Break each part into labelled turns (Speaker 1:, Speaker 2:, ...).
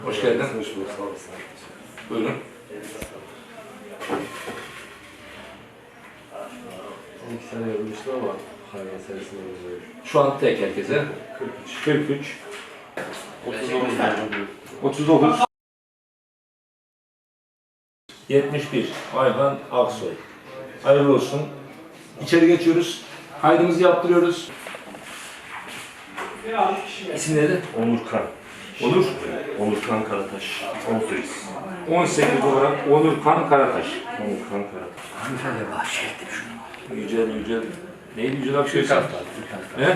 Speaker 1: Hoş geldin.
Speaker 2: Hoş bulduk, sağ olasın.
Speaker 1: Buyurun.
Speaker 2: 12 sene yorulmuştu ama hayvan serisinde oluyor.
Speaker 1: Şu an tek herkese. 43. 39. 71. Ayhan Aksoy. Hayırlı olsun. İçeri geçiyoruz. Kaydımızı yaptırıyoruz. İsimleri?
Speaker 3: Onurkan.
Speaker 1: Onur.
Speaker 3: Onurkan Karataş. 18.
Speaker 1: 18 olarak Onurkan Karataş.
Speaker 3: Onurkan Karataş.
Speaker 4: Hanımefendi bahşettim şunu.
Speaker 1: Yücel. Neydi Yücel abi? Türk Aslan. He?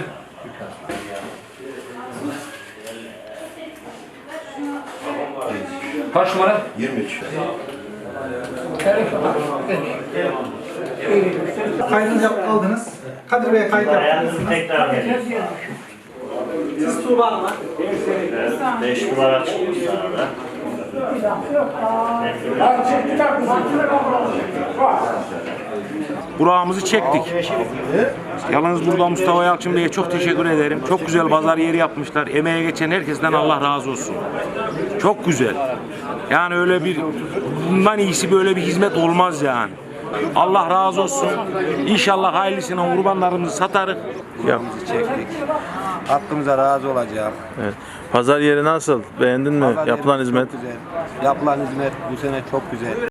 Speaker 1: Kaç numara?
Speaker 3: 23.
Speaker 5: Kaydınızı aldınız. Kadir Bey'e kayıt yaptınız.
Speaker 6: Tekrar geliyoruz.
Speaker 5: Siz Tuğba Hanım'a.
Speaker 6: 5 numara çıkmış sana da.
Speaker 7: Burak'ımızı çektik. Yalnız burada Mustafa Yalçın Bey'e çok teşekkür ederim. Çok güzel pazar yeri yapmışlar. Emeğe geçen herkesten Allah razı olsun. Çok güzel. Yani öyle bir, bundan iyisi böyle bir hizmet olmaz yani. Allah razı olsun. İnşallah hayırlısına kurbanlarımızı satarız.
Speaker 8: Çektik. Hakkımıza razı olacağım.
Speaker 9: Evet. Pazar yeri nasıl? Beğendin mi?
Speaker 8: Pazar
Speaker 9: Yapılan
Speaker 8: yerimiz
Speaker 9: hizmet?
Speaker 8: çok güzel. Yapılan hizmet bu sene çok güzel.